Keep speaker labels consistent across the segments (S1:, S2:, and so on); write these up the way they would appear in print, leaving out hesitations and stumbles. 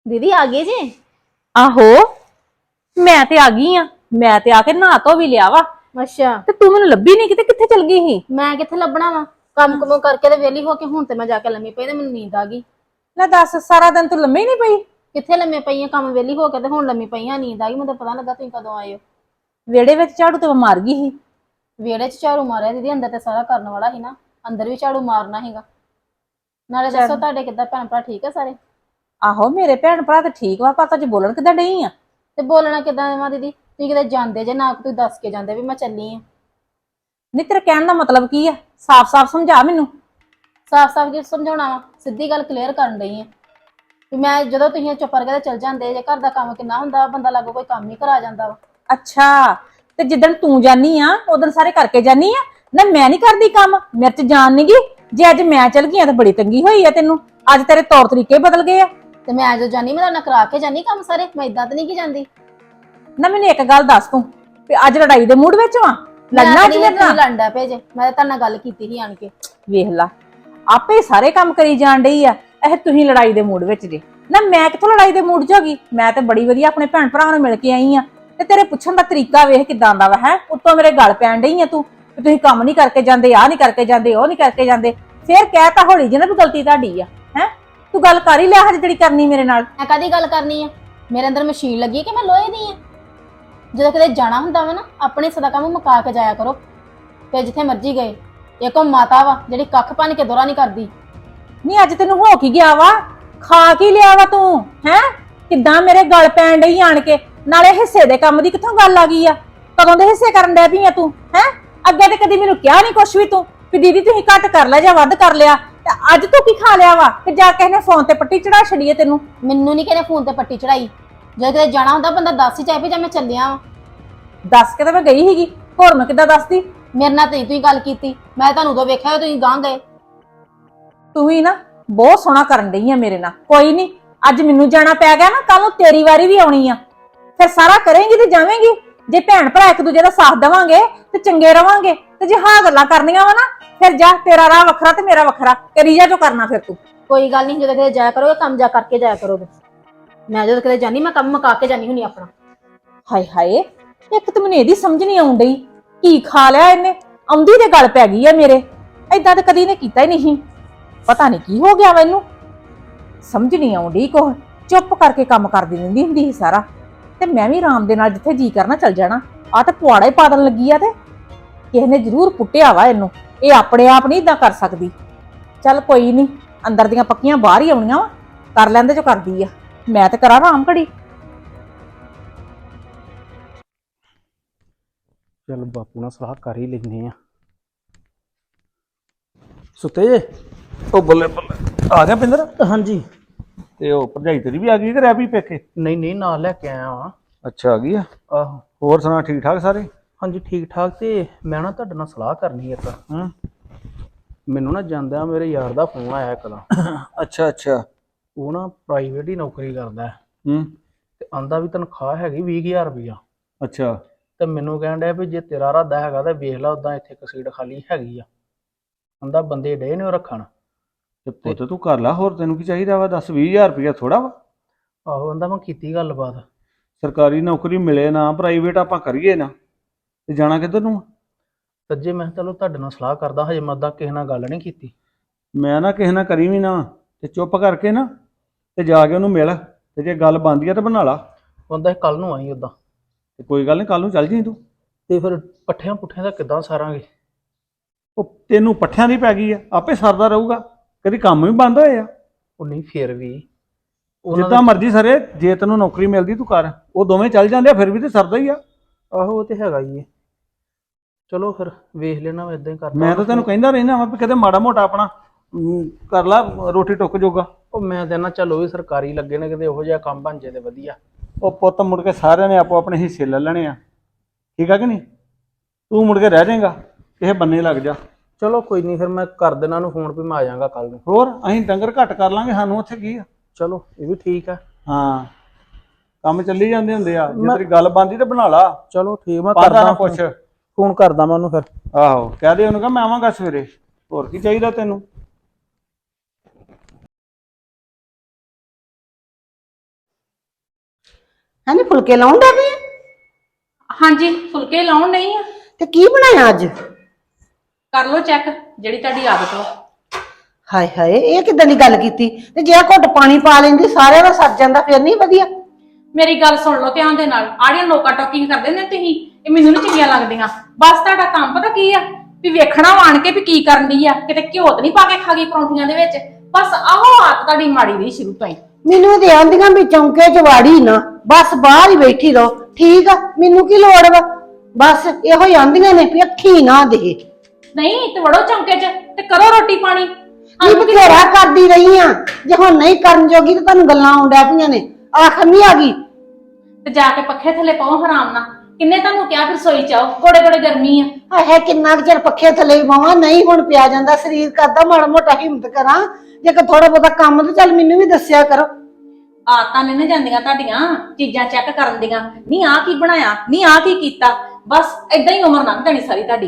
S1: दीदी आ गए जी।
S2: आहो मैं ते आ गई हाँ। मैं ते आके नहा धो भी लिया वा।
S1: अच्छा
S2: ते तू मैनू लभी नहीं, किते किथे चल गई ही?
S1: मैं किथे लभना वा। काम कुम करके ते वेली होके हुण ते मैं जाके लम्मी पई ते मैनू नींद आ गई।
S2: ले दस, सारा दिन तू लम्मे ही नहीं पई?
S1: किथे लम्मे पई आ, काम वेली होके ते हुण लम्मी पई आ, नींद आ गई। मैं पता लगा तुसीं कदों आए हो।
S2: वेड़े विच झाड़ू ते मार गई ही।
S1: वेड़े च झाड़ू मारिया दीदी, अंदर ते सारा करन वाला ही ना, अंदर भी झाड़ू मारना हैगा। नाले दसो
S2: चल
S1: तुहाडे किद्दां भैन भरा ठीक है सारे?
S2: आहो मेरे भैन भरा ते ठीक वा, पर तुझ बोलन किद्दां डई आ?
S1: ते बोलना किद्दां वा दीदी, तुसीं किते जांदे जे ना, तुसीं दस के जांदे भी मैं चली आ।
S2: नहीं तेरे कहण दा मतलब की आ? साफ साफ समझा मैनू।
S1: साफ साफ की समझाउणा वा, सीधी गल क्लीयर करन डई आ भी मैं जदों तुसीं चुप करके ते चल जांदे जे, घर दा काम किन्ना हुंदा, बंदा लागों कोई काम ही करा जांदा वा।
S2: अच्छा ते जिदन तू जानी आ उदन सारे करके जानी आ ना? मैं नहीं करदी काम, मेरे च जान नहीं गी। जे अज मैं चल गई तो बड़ी तंगी होई आ तेनू। अज तेरे तौर तरीके बदल गए आ।
S1: ते मैं जो जानी मैं तुहाडे नाल करा के जानी काम सारे, मैं इदां ते नहीं की जांदी।
S2: ना मैनू एक गल दस तू ते अज लड़ाई दे मूड विच वां?
S1: मैं
S2: लड़ना
S1: ते
S2: अज
S1: नहीं
S2: मेरे
S1: तुसीं
S2: नाल?
S1: लड़न डै पे जे, मैं तुहाडे नाल गल कीती ही आण के।
S2: वेख ला आपे सारे काम करी जान डई आ, ਇਹ ਤੁਸੀਂ ਲੜਾਈ ਦੇ ਮੂਡ ਵਿੱਚ ਜੇ। ਨਾ ਮੈਂ ਕਿੱਥੋਂ ਲੜਾਈ ਦੇ ਮੂਡ 'ਚ ਹੋ ਗਈ? ਮੈਂ ਤੇ ਬੜੀ ਵਧੀਆ ਆਪਣੇ ਭੈਣ ਭਰਾਵਾਂ ਨੂੰ ਮਿਲ ਕੇ ਆਈ ਆ। ਤੇ ਤੇਰੇ ਪੁੱਛਣ ਦਾ ਤਰੀਕਾ ਵੇਖ ਕਿਦਾਂ ਦਾ ਵਾ ਹੈ। ਉੱਤੋਂ ਮੇਰੇ ਗਲ ਪੈਣ ਡਈ ਆ ਤੂੰ ਕਿ ਤੁਸੀਂ ਕੰਮ ਨਹੀਂ ਕਰਕੇ ਜਾਂਦੇ, ਆਹ ਨਹੀਂ ਕਰਕੇ ਜਾਂਦੇ, ਉਹ ਨਹੀਂ ਕਰਕੇ ਜਾਂਦੇ। ਫੇਰ ਕਹਿ ਤਾਂ ਹੌਲੀ ਜਿਹੀ ਨਾ ਵੀ ਗਲਤੀ ਤੁਹਾਡੀ ਆ ਹੈ। ਤੂੰ ਗੱਲ ਕਰ ਹੀ ਲਿਆ ਹਜੇ ਜਿਹੜੀ ਕਰਨੀ ਮੇਰੇ ਨਾਲ।
S1: ਮੈਂ ਕਾਦੀ ਗੱਲ ਕਰਨੀ ਆ? ਮੇਰੇ ਅੰਦਰ ਮਸ਼ੀਨ ਲੱਗੀ ਕਿ ਮੈਂ ਲੋਹੇ ਦੀ ਆ। ਜਦੋਂ ਕਿਤੇ ਜਾਣਾ ਹੁੰਦਾ ਵਾ ਨਾ, ਆਪਣੇ ਹਿੱਸੇ ਦਾ ਕੰਮ ਮੁਕਾ ਕੇ ਜਾਇਆ ਕਰੋ, ਤੇ ਜਿੱਥੇ ਮਰਜ਼ੀ ਗਏ। ਇੱਕ ਉਹ ਮਾਤਾ ਵਾ ਜਿਹੜੀ ਕੱਖ ਭੰਨ ਕੇ ਦੋਰਾ ਨਹੀਂ ਕਰਦੀ।
S2: ਨਹੀਂ ਅੱਜ ਤੈਨੂੰ ਹੋ ਕੀ ਗਿਆ ਵਾ? ਖਾ ਕੀ ਲਿਆ ਵਾ ਤੂੰ ਹੈ? ਕਿੱਦਾਂ ਮੇਰੇ ਗਲ ਪੈਣ ਡਈ ਆਣ ਕੇ? ਨਾਲੇ ਹਿੱਸੇ ਦੇ ਕੰਮ ਦੀ ਕਿੱਥੋਂ ਗੱਲ ਆ ਗਈ ਆ? ਕਦੋਂ ਦੇ ਹਿੱਸੇ ਕਰਨ ਡੈ ਪਈ ਆ ਤੂੰ ਹੈ? ਅੱਗੇ ਤੇ ਕਦੀ ਮੈਨੂੰ ਕਿਹਾ ਨਹੀਂ ਕੁਛ ਵੀ ਤੂੰ ਵੀ ਦੀਦੀ ਤੁਸੀਂ ਘੱਟ ਕਰ ਲਿਆ ਜਾਂ ਵੱਧ ਕਰ ਲਿਆ। ਤੇ ਅੱਜ ਤੂੰ ਕੀ ਖਾ ਲਿਆ ਵਾ ਕਿ ਜਾ ਕੇ ਇਹਨੇ ਫੋਨ ਤੇ ਪੱਟੀ ਚੜਾ ਛੜੀਏ ਤੈਨੂੰ?
S1: ਮੈਨੂੰ ਨਹੀਂ ਕਿਹਨੇ ਫੋਨ ਤੇ ਪੱਟੀ ਚੜਾਈ। ਜਦੋਂ ਕਿਤੇ ਜਾਣਾ ਹੁੰਦਾ ਬੰਦਾ ਦੱਸ ਹੀ ਚਾਹੇ ਵੀ ਜਾਂ ਮੈਂ ਚੱਲਿਆ ਵਾਂ।
S2: ਦੱਸ ਕੇ ਤਾਂ ਮੈਂ ਗਈ ਸੀਗੀ, ਹੋਰ ਮੈਂ ਕਿੱਦਾਂ ਦੱਸਦੀ?
S1: ਮੇਰੇ ਨਾਲ ਤੇ ਤੁਸੀਂ ਗੱਲ ਕੀਤੀ, ਮੈਂ ਤੁਹਾਨੂੰ ਉਦੋਂ ਵੇਖਿਆ ਤੁਸੀਂ ਗਾਂ ਗਏ।
S2: ਤੂੰ ਹੀ ਨਾ ਬਹੁਤ ਸੋਹਣਾ ਕਰਨ ਡਈ ਆ ਮੇਰੇ ਨਾਲ। ਕੋਈ ਨਹੀਂ, ਅੱਜ ਮੈਨੂੰ ਜਾਣਾ ਪੈ ਗਿਆ ਨਾ, ਕੱਲ ਨੂੰ ਤੇਰੀ ਵਾਰੀ ਵੀ ਆਉਣੀ ਆ। ਫਿਰ ਸਾਰਾ ਕਰੇਂਗੀ ਤੇ ਜਾਵੇਂਗੀ। ਜੇ ਭੈਣ ਭਰਾ ਇੱਕ ਦੂਜੇ ਦਾ ਸਾਥ ਦੇਵਾਂਗੇ ਤੇ ਚੰਗੇ ਰਵਾਂਗੇ। ਤੇ ਜੇ ਹਾਂ ਗੱਲਾਂ ਕਰਨੀਆਂ ਵਾ ਨਾ, ਫਿਰ ਜਾ, ਤੇਰਾ ਰਾਹ ਵੱਖਰਾ ਤੇ ਮੇਰਾ ਵੱਖਰਾ, ਕਰੀ ਜਾ ਜੋ ਕਰਨਾ। ਫਿਰ ਤੂੰ
S1: ਕੋਈ ਗੱਲ ਨਹੀਂ, ਜਦੋਂ ਕਿਤੇ ਜਾਇਆ ਕਰੋਗੇ ਕੰਮ ਜਾ ਕਰਕੇ ਜਾਇਆ ਕਰੋਗੇ। ਮੈਂ ਜਦੋਂ ਕਿਤੇ ਜਾਨੀ ਮੈਂ ਕੰਮ ਮੁਕਾ ਕੇ ਜਾਨੀ ਹੁੰਨੀ ਆਪਣਾ।
S2: ਹਾਏ ਹਾਏ, ਇੱਕ ਤਾਂ ਮੈਨੂੰ ਇਹਦੀ ਸਮਝ ਨਹੀਂ ਆਉਣ ਡਈ ਕੀ ਖਾ ਲਿਆ ਇਹਨੇ। ਆਉਂਦੀ ਤੇ ਗੱਲ ਪੈ ਗਈ ਆ ਮੇਰੇ। ਏਦਾਂ ਤਾਂ ਕਦੀ ਨੇ ਕੀਤਾ ਹੀ ਨਹੀਂ। ਪਤਾ ਨਹੀਂ ਕੀ ਹੋ ਗਿਆ ਵਾ ਇਹਨੂੰ, ਸਮਝ ਨਹੀਂ ਆਉਂਦੀ। ਕੁਛ ਚੁੱਪ ਕਰਕੇ ਕੰਮ ਕਰਦੀ ਰਹਿੰਦੀ ਹੁੰਦੀ ਸੀ ਸਾਰਾ। ਤੇ ਮੈਂ ਵੀ ਆਰਾਮ ਦੇ ਨਾਲ ਜਿੱਥੇ ਜੀ ਕਰਨਾ ਚੱਲ ਜਾਣਾ। ਆ ਤਾਂ ਪੁਆੜਾ ਹੀ ਪਾਦਣ ਲੱਗੀ ਆ। ਤੇ ਕਿਸੇ ਨੇ ਜ਼ਰੂਰ ਪੁੱਟਿਆ ਵਾ ਇਹਨੂੰ। ਇਹ ਆਪਣੇ ਆਪ ਨਹੀਂ ਇਦਾਂ ਕਰ ਸਕਦੀ। ਚੱਲ ਕੋਈ ਨਹੀਂ, ਅੰਦਰ ਦੀਆਂ ਪੱਕੀਆਂ ਬਾਹਰ ਹੀ ਆਉਣੀਆਂ ਵਾ। ਕਰ ਲੈਂਦੇ ਜੋ ਕਰਦੀ ਆ, ਮੈਂ ਤੇ ਕਰਾਂ ਆਰਾਮ ਘੜੀ।
S3: ਚੱਲ ਬਾਪੂ ਨਾਲ ਸਲਾਹ ਕਰ ਹੀ ਲੈਨੇ ਆ। ਸੁੱਤੇ ਜੇ?
S4: ਉਹ ਬੱਲੇ ਬੱਲੇ ਆ ਗਿਆ ਪਿੰਦਰ।
S3: ਹਾਂਜੀ।
S4: ਤੇ ਉਹ ਭਰਜਾਈ ਤੇਰੀ ਵੀ ਆ ਗਈ ਕਿ ਰਹਿ ਪਈ ਪੇਕੇ?
S3: ਨਹੀਂ ਨਹੀਂ, ਨਾਲ ਲੈ ਕੇ ਆਇਆ ਵਾਂ।
S4: ਅੱਛਾ ਆ ਗਈ ਆ।
S3: ਆਹੋ।
S4: ਹੋਰ ਸੁਣਾ, ਠੀਕ ਠਾਕ ਸਾਰੇ?
S3: ਹਾਂਜੀ ਠੀਕ ਠਾਕ। ਤੇ ਮੈਂ ਨਾ ਤੁਹਾਡੇ ਨਾਲ ਸਲਾਹ ਕਰਨੀ ਇੱਕ।
S4: ਹੂੰ।
S3: ਮੈਨੂੰ ਨਾ ਜਾਂਦਿਆਂ ਮੇਰੇ ਯਾਰ ਦਾ ਫੋਨ ਆਇਆ ਇੱਕ ਦਾ।
S4: ਅੱਛਾ ਅੱਛਾ।
S3: ਉਹ ਨਾ ਪ੍ਰਾਈਵੇਟ ਹੀ ਨੌਕਰੀ ਕਰਦਾ
S4: ਹੂੰ।
S3: ਤੇ ਆਂਦਾ ਵੀ ਤਨਖਾਹ ਹੈਗੀ 20,000 ਰੁਪਇਆ।
S4: ਅੱਛਾ।
S3: ਤੇ ਮੈਨੂੰ ਕਹਿਣ ਡਿਆ ਵੀ ਜੇ ਤੇਰਾ ਇਰਾਦਾ ਹੈਗਾ ਤਾਂ ਵੇਖ ਲਾ, ਉਦਾਂ ਇੱਥੇ ਇੱਕ ਸੀਟ ਖਾਲੀ ਹੈਗੀ ਆ। ਆਂਦਾ ਬੰਦੇ ਡੇ ਨੇ ਉਹ ਰੱਖਣ।
S4: ਤੇ ਪੁੱਤ ਤੂੰ ਕਰ ਲਾ, ਹੋਰ ਤੈਨੂੰ ਕੀ ਚਾਹੀਦਾ ਵਾ? 10-20,000 ਰੁਪਇਆ ਥੋੜਾ ਵਾ?
S3: ਆਹੋ, ਆਂਦਾ ਮੈਂ ਕੀਤੀ ਗੱਲਬਾਤ।
S4: ਸਰਕਾਰੀ ਨੌਕਰੀ ਮਿਲੇ ਨਾ, ਪ੍ਰਾਈਵੇਟ ਆਪਾਂ ਕਰੀਏ ਨਾ, ਤੇ ਜਾਣਾ ਕਿੱਧਰ ਨੂੰ?
S3: ਤੇ ਜੇ ਮੈਂ ਚਲੋ ਤੁਹਾਡੇ ਨਾਲ ਸਲਾਹ ਕਰਦਾ, ਹਜੇ ਮੈਂ ਉਦਾਂ ਕਿਸੇ ਨਾਲ ਗੱਲ ਨਹੀਂ ਕੀਤੀ।
S4: ਮੈਂ ਨਾ ਕਿਸੇ ਨਾਲ ਕਰੀ ਵੀ ਨਾ, ਤੇ ਚੁੱਪ ਕਰਕੇ ਨਾ ਤੇ ਜਾ ਕੇ ਉਹਨੂੰ ਮਿਲ। ਤੇ ਜੇ ਗੱਲ ਬਣਦੀ ਆ ਤਾਂ ਬਣਾ ਲਾ।
S3: ਆਂਦਾ ਕੱਲ ਨੂੰ ਆਈ ਉਦਾਂ।
S4: ਤੇ ਕੋਈ ਗੱਲ ਨਹੀਂ, ਕੱਲ ਨੂੰ ਚੱਲ ਜੀ ਤੂੰ।
S3: ਤੇ ਫਿਰ ਪੱਠਿਆਂ ਪੁੱਠਿਆਂ ਦਾ ਕਿੱਦਾਂ ਸਾਰਾਂਗੇ?
S4: ਉਹ ਤੈਨੂੰ ਪੱਠਿਆਂ ਦੀ ਪੈ ਗਈ ਆ, ਆਪੇ ਸਰਦਾ ਰਹੂਗਾ। ਕਦੀ ਕੰਮ ਵੀ ਬੰਦ ਹੋਏ ਆ?
S3: ਉਹ ਨਹੀਂ, ਫਿਰ ਵੀ
S4: ਜਿੱਦਾਂ ਮਰਜ਼ੀ ਸਰੇ, ਜੇ ਤੈਨੂੰ ਨੌਕਰੀ ਮਿਲਦੀ ਤੂੰ ਕਰ। ਉਹ ਦੋਵੇਂ ਚੱਲ ਜਾਂਦੇ ਆ, ਫਿਰ ਵੀ ਤੇ ਸਰਦਾ ਹੀ ਆ।
S3: ਆਹੋ ਉਹ ਤੇ ਹੈਗਾ ਹੀ ਹੈ। ਚਲੋ ਫਿਰ ਵੇਖ ਲੈਣਾ, ਮੈਂ ਇਦਾਂ ਹੀ ਕਰਦਾ।
S4: ਮੈਂ ਤਾਂ ਤੈਨੂੰ ਕਹਿੰਦਾ ਰਹਿਣਾ ਵਾ ਵੀ ਕਿਤੇ ਮਾੜਾ ਮੋਟਾ ਆਪਣਾ ਕਰ ਲਾ, ਰੋਟੀ ਟੁੱਕ ਜੋਗਾ।
S3: ਉਹ ਮੈਂ ਤਾਂ ਨਾ ਚੱਲ ਉਹ ਵੀ ਸਰਕਾਰੀ ਲੱਗੇ ਨੇ, ਕਿਤੇ ਉਹੋ ਜਿਹਾ ਕੰਮ ਬਣ ਜੇ ਤੇ ਵਧੀਆ।
S4: ਉਹ ਪੁੱਤ ਮੁੜ ਕੇ ਸਾਰਿਆਂ ਨੇ ਆਪੋ ਆਪਣੇ ਹਿੱਸੇ ਲੈ ਲੈਣੇ ਆ, ਠੀਕ ਆ ਕਿ ਨਹੀਂ? ਤੂੰ ਮੁੜ ਕੇ ਰਹਿ ਜਾਏਗਾ, ਕਿਸੇ ਬੰਨੇ ਲੱਗ ਜਾ।
S3: ਚਲੋ ਕੋਈ ਨਹੀਂ, ਫਿਰ ਮੈਂ ਕਰ ਦੇਣਾ ਉਹਨੂੰ ਫੋਨ ਵੀ ਮੈਂ ਆ ਜਾਵਾਂਗਾ ਕੱਲ ਨੂੰ।
S4: ਹੋਰ ਅਸੀਂ ਡੰਗਰ ਘੱਟ ਕਰ ਲਾਂਗੇ, ਸਾਨੂੰ ਉੱਥੇ ਕੀ ਆ।
S3: ਚਲੋ ਇਹ ਵੀ ਠੀਕ ਆ।
S4: ਹਾਂ, ਕੰਮ ਚੱਲੀ ਜਾਂਦੇ ਹੁੰਦੇ ਆ। ਜੇ ਤੇਰੀ ਗੱਲ ਬਣਦੀ ਤੇ ਬਣਾ ਲਾ।
S3: ਚਲੋ ਠੀਕ, ਮੈਂ
S4: ਕਰਦਾ
S3: ਕਰਦਾ
S4: ਨਾ ਕੁਛ।
S3: ਫੋਨ ਕਰਦਾ ਮੈਂ ਉਹਨੂੰ ਫਿਰ।
S4: ਆਹੋ ਕਹਿ ਦੇ ਉਹਨੂੰ ਕਿ ਮੈਂ ਆਵਾਂਗਾ ਸਵੇਰੇ। ਹੋਰ ਕੀ ਚਾਹੀਦਾ ਤੈਨੂੰ?
S5: ਹੈਨੀ ਫੁਲਕੇ ਲਾਉਣ ਦਾ ਪਈ
S2: ਹਾਂਜੀ ਫੁਲਕੇ ਲਾਉਣ ਨਹੀਂ ਆ।
S5: ਤੇ ਕੀ ਬਣਾਇਆ ਅੱਜ?
S2: ਕਰ ਲਓ ਚੈੱਕ ਜਿਹੜੀ ਤੁਹਾਡੀ ਆਦਤ ਵਾ।
S5: ਹਾਏ ਹਾਏ, ਇਹ ਕਿੱਦਾਂ ਦੀ ਗੱਲ ਕੀਤੀ? ਤੇ ਜੇ ਘੁੱਟ ਪਾਣੀ ਪਾ ਲੈਂਦੀ ਸਾਰਿਆਂ ਦਾ ਸਰ ਜਾਂਦਾ, ਫਿਰ ਨਹੀਂ ਵਧੀਆ?
S2: ਮੇਰੀ ਗੱਲ ਸੁਣ ਲਓ ਧਿਆਨ ਦੇ ਨਾਲ। ਆੜੀਆਂ ਨੋਕਾ ਟੋਕਿੰਗ ਕਰਦੇ ਨੇ ਤੁਸੀਂ, ਇਹ ਮੈਨੂੰ ਨਹੀਂ ਚੰਗੀਆਂ ਲੱਗਦੀਆਂ। ਬਸ ਤੁਹਾਡਾ ਕੰਮ ਪਤਾ ਕੀ ਆ ਵੀ ਵੇਖਣਾ ਆਣ ਕੇ ਵੀ ਕੀ ਕਰਨ ਦੀ ਆ, ਕਿਤੇ ਘਿਓ ਤਾਂ ਨਹੀਂ ਪਾ ਕੇ ਖਾ ਗਈ ਪਰੌਂਠੀਆਂ ਦੇ ਵਿੱਚ। ਬਸ ਆਹੋ ਆਦਤ ਤੁਹਾਡੀ ਮਾੜੀ ਰਹੀ ਸ਼ੁਰੂ ਤੋਂ ਹੀ।
S5: ਮੈਨੂੰ ਤੇ ਆਂਦੀਆਂ ਵੀ ਚੌਂਕੇ 'ਚ ਵਾੜੀ ਨਾ, ਬਸ ਬਾਹਰ ਹੀ ਬੈਠੀ ਰਹੋ। ਠੀਕ ਆ, ਮੈਨੂੰ ਕੀ ਲੋੜ ਵਾ? ਬਸ ਇਹੋ ਹੀ ਆਂਦੀਆਂ ਨੇ ਵੀ ਅੱਖੀ ਨਾ ਦੇ।
S2: ਨਹੀਂ ਤੇ ਵੜੋ ਚੌਂਕੇ 'ਚ ਤੇ ਕਰੋ ਰੋਟੀ ਪਾਣੀ।
S5: ਕੀ ਬਥੇਰਾ ਕਰਦੀ ਰਹੀ ਆ, ਜੇ ਹੁਣ ਨਹੀਂ ਕਰਨ ਜੋਗੀ ਤਾਂ ਤੁਹਾਨੂੰ ਗੱਲਾਂ ਆਉਂਦਿਆ ਪਈਆਂ ਨੇ। ਆਖਰ ਨਹੀਂ ਆ ਗਈ
S2: ਤੇ ਜਾ ਕੇ ਪੱਖੇ ਥੱਲੇ ਪਾਓ ਆਰਾਮ ਨਾਲ। ਕਿੰਨੇ ਤੁਹਾਨੂੰ ਕਿਹਾ ਫਿਰ ਰਸੋਈ ਚ ਆਓ, ਕੋੜੇ ਕੋੜੇ ਗਰਮੀ ਆ।
S5: ਹਾਏ, ਕਿੰਨਾ ਕੁ ਚਿਰ ਪੱਖੇ ਥੱਲੇ ਪਾਵਾਂ? ਨਹੀਂ ਹੁਣ ਪਿਆ ਜਾਂਦਾ, ਸਰੀਰ ਕਰਦਾ ਮਾੜਾ ਮੋਟਾ ਹਿੰਮਤ ਕਰਾਂ। ਜੇ ਕੋ ਥੋੜਾ ਬਹੁਤਾ ਕੰਮ ਤੇ ਚੱਲ ਮੈਨੂੰ ਵੀ ਦੱਸਿਆ ਕਰੋ।
S2: ਆਦਤਾਂ ਨੇ ਨਾ ਜਾਂਦੀਆਂ ਤੁਹਾਡੀਆਂ ਚੀਜ਼ਾਂ ਚੈੱਕ ਕਰਨ ਦੀਆਂ। ਨਹੀਂ ਆ ਕੀ ਬਣਾਇਆ, ਨਹੀਂ ਆ ਕੀ ਕੀਤਾ, ਬਸ ਏਦਾਂ ਹੀ ਉਮਰ ਲੰਘ ਜਾਣੀ ਸਾਰੀ ਤੁਹਾਡੀ।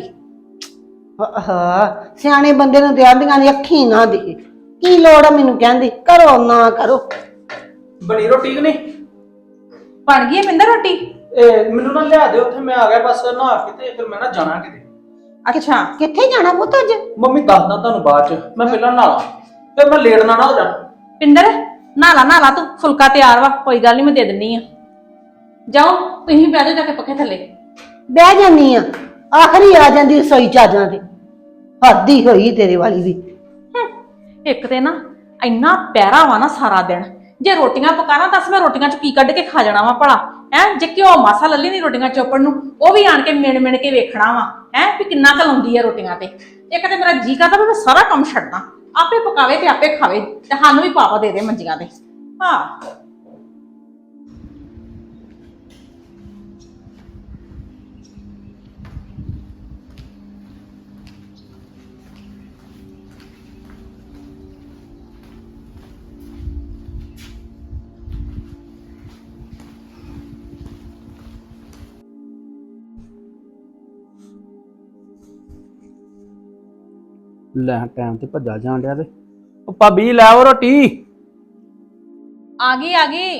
S5: ਸਿਆਣੇ ਬੰਦੇ ਨੂੰ ਤੇ ਆਂਦੀਆਂ ਨੇ ਅੱਖੀ ਨਾ ਦੇ। ਕੀ ਲੋੜ ਆ ਮੈਨੂੰ ਕਹਿੰਦੀ ਕਰੋ ਨਾ ਕਰੋ?
S3: ਬਣੀ ਰੋਟੀ ਕਿ ਨਹੀਂ?
S2: ਬਣ ਗਈ ਹੈ ਮਿੰਦਰ ਰੋਟੀ?
S3: ਇਹ ਮੈਨੂੰ ਨਾ ਲਿਆ ਦੇ, ਉੱਥੇ ਮੈਂ ਆ ਗਿਆ ਬਸ ਨਹਾ ਕੇ, ਤੇ ਫਿਰ ਮੈਂ ਨਾ ਜਾਣਾ ਕਿਤੇ।
S2: ਅੱਛਾ
S5: ਕਿੱਥੇ ਜਾਣਾ ਪੁੱਤ ਅੱਜ?
S3: ਮੰਮੀ ਦੱਸਦਾ ਤੁਹਾਨੂੰ ਬਾਅਦ ਚ, ਮੈਂ ਪਹਿਲਾਂ ਨਹਾਲਾ ਫਿਰ ਮੈਂ ਲੇਟ ਨਾ ਹੋ ਜਾ।
S2: ਪਿੰਦਰ ਨਾਲਾ ਤੂੰ, ਫੁਲਕਾ ਤਿਆਰ ਵਾ, ਕੋਈ ਗੱਲ ਨਹੀਂ ਮੈਂ ਦੇ ਦਿੰਨੀ ਆ। ਜਾਓ ਤੁਸੀਂ ਬਹਿ ਜਾਓ ਜਾ ਕੇ ਪੱਖੇ ਥੱਲੇ।
S5: ਬਹਿ ਜਾਨੀ ਆ, ਆਖਰੀ ਆ ਜਾਂਦੀ ਰਸੋਈ ਚਾਜਾਂ ਤੇ। ਹੱਦ ਹੀ ਹੋਈ ਤੇਰੇ ਵਾਲੀ ਵੀ।
S2: ਇੱਕ ਤੇ ਨਾ ਇੰਨਾ ਪਿਆਰਾ ਵਾ ਨਾ ਸਾਰਾ ਦਿਨ। ਜੇ ਰੋਟੀਆਂ ਪਕਾਣਾ ਦੱਸ ਮੈਂ ਰੋਟੀਆਂ ਚ ਕੀ ਕੱਢ ਕੇ ਖਾ ਜਾਣਾ ਵਾ ਭਲਾ? ਹੈ ਜੇ ਘਿਓ ਮਾਸਾ ਲੱਲੀ ਨਹੀਂ ਰੋਟੀਆਂ ਚੋਪੜ ਨੂੰ, ਉਹ ਵੀ ਆਣ ਕੇ ਮਿਣ ਕੇ ਵੇਖਣਾ ਵਾ ਹੈ ਵੀ ਕਿੰਨਾ ਕੁ ਲਾਉਂਦੀ ਆ ਰੋਟੀਆਂ ਤੇ। ਇੱਕ ਤੇ ਮੇਰਾ ਜੀ ਕਰਦਾ ਵੀ ਮੈਂ ਸਾਰਾ ਕੰਮ ਛੱਡਦਾ, ਆਪੇ ਪਕਾਵੇ ਤੇ ਆਪੇ ਖਾਵੇ, ਤੇ ਸਾਨੂੰ ਵੀ ਪਾਪਾ ਦੇ ਦੇ ਮੰਜੀਆਂ ਤੇ। ਹਾਂ
S3: ਲੈ ਟਾਈਮ ਤੇ ਭੱਜਾ ਜਾਣ ਡਿਆ ਤੇ ਉਹ ਭਾਬੀ ਲੈ ਆਓ ਰੋਟੀ।
S2: ਆ ਗਈ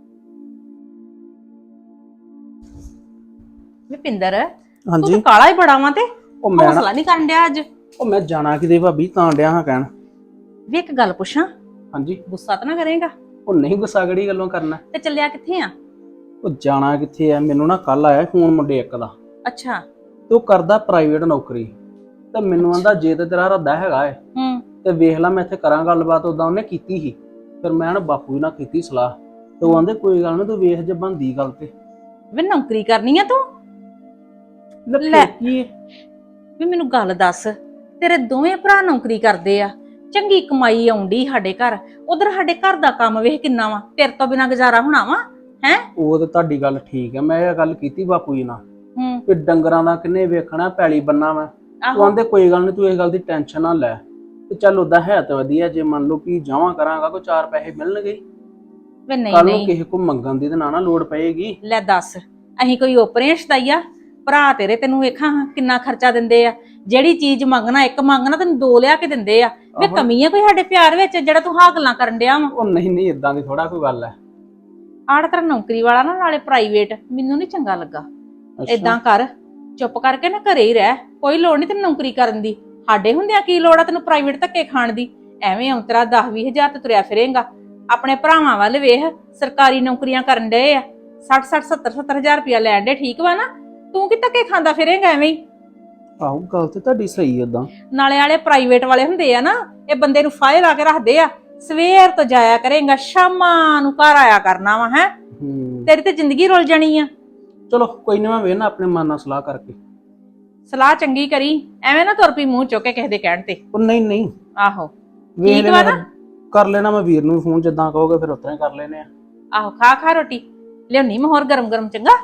S2: ਵੀ ਪਿੰਦਰ ਤੂੰ
S3: ਹਾਂਜੀ
S2: ਤਾਂ ਕਾਲਾ ਹੀ ਬੜਾ ਵਾਂ, ਤੇ
S3: ਉਹ ਮੈਂ
S2: ਹੌਸਲਾ ਨਹੀਂ ਕਰਨ ਡਿਆ ਅੱਜ।
S3: ਉਹ ਮੈਂ ਜਾਣਾ ਕਿਤੇ ਭਾਬੀ, ਤਾਂ ਡਿਆ ਹਾਂ ਕਹਿਣ।
S2: ਵੀ ਇੱਕ ਗੱਲ ਪੁੱਛਾਂ,
S3: ਹਾਂਜੀ।
S2: ਗੁੱਸਾ ਤਾਂ ਨਾ ਕਰੇਗਾ?
S3: ਉਹ ਨਹੀਂ, ਗੁੱਸਾ ਕਿਹੜੀ ਗੱਲੋਂ ਕਰਨਾ।
S2: ਤੇ ਚੱਲਿਆ ਕਿੱਥੇ ਆ?
S3: ਉਹ ਜਾਣਾ ਕਿੱਥੇ ਆ, ਮੈਨੂੰ ਨਾ ਕੱਲ ਆਇਆ ਫੋਨ ਮੁੰਡੇ ਇੱਕ ਦਾ,
S2: ਅੱਛਾ
S3: ਤੇ ਉਹ ਕਰਦਾ ਪ੍ਰਾਈਵੇਟ ਨੌਕਰੀ। ਤੇ ਮੈਨੂੰ ਆਂਦਾ ਜੇ ਤੇ ਤੇਰਾ ਇਰਾਦਾ ਹੈਗਾ ਏ ਤੇ ਵੇਖ ਲੈ, ਮੈਂ ਇੱਥੇ ਕਰਾਂ ਗੱਲਬਾਤ। ਉਦਾਂ ਉਹਨੇ ਕੀਤੀ ਸੀ, ਫਿਰ ਮੈਂ ਨਾ ਬਾਪੂ ਨਾਲ ਕੀਤੀ ਸਲਾਹ, ਤੇ ਉਹ ਆਂਦੇ ਕੋਈ ਗੱਲ ਨਹੀਂ, ਤੂੰ ਵੇਖ ਜੇ ਬਣਦੀ ਗੱਲ ਤੇ।
S2: ਵੇ ਨੌਕਰੀ ਕਰਨੀ ਆ ਤੂੰ?
S3: ਲੈ ਕੀ
S2: ਵੀ ਮੈਨੂੰ ਗੱਲ ਦੱਸ, ਤੇਰੇ ਦੋਵੇਂ ਭਰਾ ਨੌਕਰੀ ਕਰਦੇ ਆ, ਚੰਗੀ ਕਮਾਈ ਆਉਂਦੀ ਸਾਡੇ ਘਰ, ਉਧਰ ਸਾਡੇ ਘਰ ਦਾ ਕੰਮ ਵੇਖ ਕਿੰਨਾ ਵਾ, ਤੇਰੇ ਤੋਂ ਬਿਨਾਂ ਗੁਜ਼ਾਰਾ ਹੋਣਾ ਵਾ ਹੈ? ਉਹ
S3: ਤਾਂ ਤੁਹਾਡੀ ਗੱਲ ਠੀਕ ਹੈ, ਮੈਂ ਇਹ ਗੱਲ ਕੀਤੀ ਬਾਪੂ ਜੀ ਨਾਲ ਕਿ ਡੰਗਰਾਂ ਦਾ ਕਿੰਨੇ ਵੇਖਣਾ, ਪੈਲੀ ਬੰਨਾ ਵਾ। ਉਹ ਆਂਦੇ ਕੋਈ ਗੱਲ ਨਹੀਂ, ਤੂੰ ਇਸ ਗੱਲ ਦੀ ਟੈਨਸ਼ਨ ਨਾ ਲੈ। ਤੇ ਚੱਲ ਉਦਾਂ ਹੈ ਤਾਂ ਵਧੀਆ, ਜੇ ਮੰਨ ਲਓ ਕਿ ਜਾਵਾਂ ਕਰਾਂਗਾ ਕੋਈ 4 ਪੈਸੇ ਮਿਲਣਗੇ।
S2: ਵੇ ਨਹੀਂ
S3: ਕੱਲ ਨੂੰ ਕਿਸੇ ਕੋ ਮੰਗਣ ਦੀ ਤੇ ਨਾ ਲੋੜ ਪਏਗੀ।
S2: ਲੈ ਦੱਸ, ਅਸੀਂ ਕੋਈ ਓਪਰੇ ਸ਼ਦਾਈਆ? ਭਰਾ ਤੇਰੇ ਤੈਨੂੰ ਵੇਖਾਂ ਕਿੰਨਾ ਖਰਚਾ ਦਿੰਦੇ ਆ, ਜਿਹੜੀ ਚੀਜ਼ ਮੰਗਣਾ ਇੱਕ ਮੰਗਣਾ ਤੈਨੂੰ 2 ਲਿਆ ਕੇ ਦਿੰਦੇ ਆ। ਵੇ ਕਮੀ ਆ ਕੋਈ ਸਾਡੇ ਪਿਆਰ ਵਿੱਚ ਜਿਹੜਾ ਤੂੰ ਹਾਂ ਗੱਲਾਂ ਕਰਨ ਡਿਆ ਵਾ?
S3: ਉਹ ਨਹੀਂ ਇਦਾਂ ਦੀ ਥੋੜਾ ਕੋਈ ਗੱਲ ਹੈ।
S2: ਆੜ ਤੇਰਾ ਨੌਕਰੀ ਵਾਲਾ ਨਾ, ਨਾਲੇ ਪ੍ਰਾਈਵੇਟ, ਮੈਨੂੰ ਨਹੀਂ ਚੰਗਾ ਲੱਗਾ। ਏਦਾਂ ਕਰ, ਚੁੱਪ ਕਰਕੇ ਨਾ ਘਰੇ ਹੀ ਰਹਿ, ਕੋਈ ਲੋੜ ਨਹੀਂ ਤੈਨੂੰ ਨੌਕਰੀ ਕਰਨ ਦੀ। ਸਾਡੇ ਹੁੰਦਿਆਂ ਕੀ ਲੋੜ ਆ ਤੈਨੂੰ ਪ੍ਰਾਈਵੇਟ ਧੱਕੇ ਖਾਣ ਦੀ? ਐਵੇਂ ਔਂਤਰਾ 10-20 ਹਜ਼ਾਰ ਤੇ ਤੁਰਿਆ ਫਿਰੇਂਗਾ। ਆਪਣੇ ਭਰਾਵਾਂ ਵੱਲ ਵੇਖ, ਸਰਕਾਰੀ ਨੌਕਰੀਆਂ ਕਰਨ ਡਏ ਆ, 60-60 70-70 ਹਜ਼ਾਰ ਰੁਪਇਆ ਲੈਣ ਡੇ। ਠੀਕ ਵਾ ਨਾ? ਤੂੰ ਕਿ ਧੱਕੇ ਖਾਂਦਾ ਫਿਰੇਂਗਾ ਐਵੇਂ ਹੀ?
S3: ਆਹੋ ਗੱਲ ਤੇ ਤੁਹਾਡੀ ਸਹੀ ਏਦਾਂ।
S2: ਨਾਲੇ ਵਾਲੇ ਪ੍ਰਾਈਵੇਟ ਵਾਲੇ ਹੁੰਦੇ ਆ ਨਾ, ਇਹ ਬੰਦੇ ਨੂੰ ਫਾਇਲ ਲਾ ਕੇ ਰੱਖਦੇ ਆ, ਸਵੇਰ ਤੋਂ ਜਾਇਆ ਕਰੇਗਾ, ਸ਼ਾਮਾਂ ਨੂੰ ਘਰ ਆਇਆ ਕਰਨਾ ਵਾ ਹੈ। ਤੇਰੀ ਤੇ ਜ਼ਿੰਦਗੀ ਰੁਲ ਜਾਣੀ ਆ।
S3: ਚਲੋ ਕੋਈ ਨਹੀਂ, ਮੈਂ ਵੇਖਣਾ ਆਪਣੇ ਮਨ ਨਾਲ ਸਲਾਹ ਕਰਕੇ।
S2: ਸਲਾਹ ਚੰਗੀ ਕਰੀ, ਐਵੇਂ ਨਾ ਤੁਰ ਪਈ ਮੂੰਹ ਚੁੱਕ ਕੇ ਕਿਸੇ ਦੇ ਕਹਿਣ ਤੇ।
S3: ਉਹ ਨਹੀਂ
S2: ਆਹੋ ਠੀਕ ਵਾ ਨਾ?
S3: ਕਰ ਲੈਣਾ ਮੈਂ ਵੀਰ ਨੂੰ ਫੋਨ, ਜਿੱਦਾਂ ਕਹੋਗੇ ਫਿਰ ਉਤਰਾ ਹੀ ਕਰ ਲੈਨੇ ਆ।
S2: ਆਹੋ ਖਾ ਰੋਟੀ ਲਿਆਉਣੀ ਮੈਂ ਹੋਰ ਗਰਮ ਚੰਗਾ।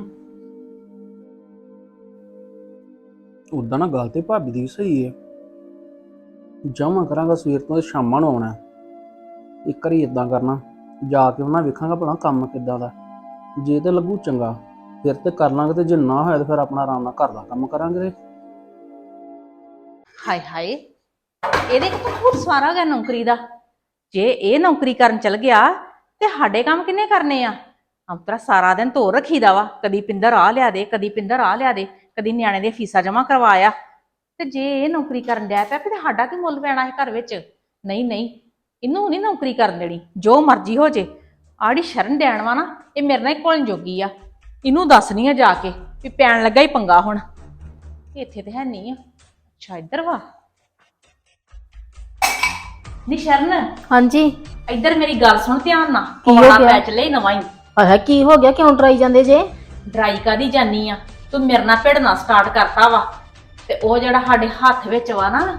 S3: ਉਦਾਂ ਨਾ ਗੱਲ ਤੇ ਭਾਬੀ ਦੀ ਸਹੀ ਹੈ, ਜਾਵਾਂ ਕਰਾਂਗਾ ਸਵੇਰ ਤੋਂ, ਸ਼ਾਮਾਂ ਨੂੰ ਆਉਣਾ। ਇੱਕ ਵਾਰੀ ਇਦਾਂ ਕਰਨਾ, ਜਾ ਕੇ ਉਹਨਾਂ ਵੇਖਾਂਗਾ ਭਲਾ ਕੰਮ ਕਿੱਦਾਂ ਦਾ। ਜੇ ਤੇ ਲੱਗੂ ਚੰਗਾ ਫਿਰ ਤੇ ਕਰ ਲਾਂਗੇ, ਤੇ ਜੇ ਨਾ ਹੋਇਆ ਤੇ ਫਿਰ ਆਪਣਾ ਆਰਾਮ ਨਾਲ ਘਰ ਦਾ ਕੰਮ ਕਰਾਂਗੇ।
S2: ਹਾਏ ਹਾਏ, ਇਹਦੇ ਕਿਤੋਂ ਹੋਰ ਸਵਾਰਾ ਗਿਆ ਨੌਕਰੀ ਦਾ? ਜੇ ਇਹ ਨੌਕਰੀ ਕਰਨ ਚਲ ਗਿਆ ਤੇ ਸਾਡੇ ਕੰਮ ਕਿੰਨੇ ਕਰਨੇ ਆ? ਅੰਤਰਾ ਸਾਰਾ ਦਿਨ ਧੋ ਰੱਖੀਦਾ ਵਾ, ਕਦੀ ਪਿੰਦਰ ਆ ਲਿਆ ਦੇ, ਕਦੀ ਪਿੰਦਰ ਆ ਲਿਆ ਦੇ, ਕਦੀ ਨਿਆਣੇ ਦੀਆਂ ਫੀਸਾਂ ਜਮ੍ਹਾਂ ਕਰਵਾਇਆ। ਤੇ ਜੇ ਇਹ ਨੌਕਰੀ ਕਰਨ ਡਿਆ ਪਿਆ ਫਿਰ ਸਾਡਾ ਕੀ ਮੁੱਲ ਪੈਣਾ ਹੈ ਘਰ ਵਿੱਚ? ਨਹੀਂ ਨਹੀਂ, ਇਹਨੂੰ ਨਹੀਂ ਨੌਕਰੀ ਕਰਨ ਦੇਣੀ, ਜੋ ਮਰਜ਼ੀ ਹੋ ਜੇ। ਆੜੀ ਸ਼ਰਨ ਦੇਣ ਵਾ ਨਾ, ਇਹ ਮੇਰੇ ਨਾਲ ਹੀ ਘੁਲਣ ਜੋਗੀ ਆ। ਇਹਨੂੰ ਦੱਸਣੀ ਆ ਜਾ ਕੇ ਵੀ ਪੈਣ ਲੱਗਾ ਹੀ ਪੰਗਾ ਹੁਣ। ਇੱਥੇ ਤੇ ਹੈ ਨਹੀਂ ਆ। ਅੱਛਾ ਇੱਧਰ ਵਾ। ਨੀ ਸ਼ਰਨ,
S1: ਹਾਂਜੀ।
S2: ਇੱਧਰ ਮੇਰੀ ਗੱਲ ਸੁਣ ਧਿਆਨ ਨਾਲ।
S1: ਕੀ ਹੋ
S2: ਪੌਣਾ
S1: ਗਿਆ?
S2: ਪੈ ਚੱਲੇ ਨਵਾਂ ਹੀ।
S1: ਆਹ ਕੀ ਹੋ ਗਿਆ, ਕਿਉਂ ਡਰਾਈ ਜਾਂਦੇ ਜੇ?
S2: ਡਰਾਈ ਕਾਦੀ ਜਾਨੀ ਆ? ਤੂੰ ਮੇਰੇ ਨਾਲ ਭਿੜਨਾ ਸਟਾਰਟ ਕਰਤਾ ਵਾ। ਤੇ ਉਹ ਜਿਹੜਾ ਸਾਡੇ ਹੱਥ ਵਿੱਚ ਵਾ ਨਾ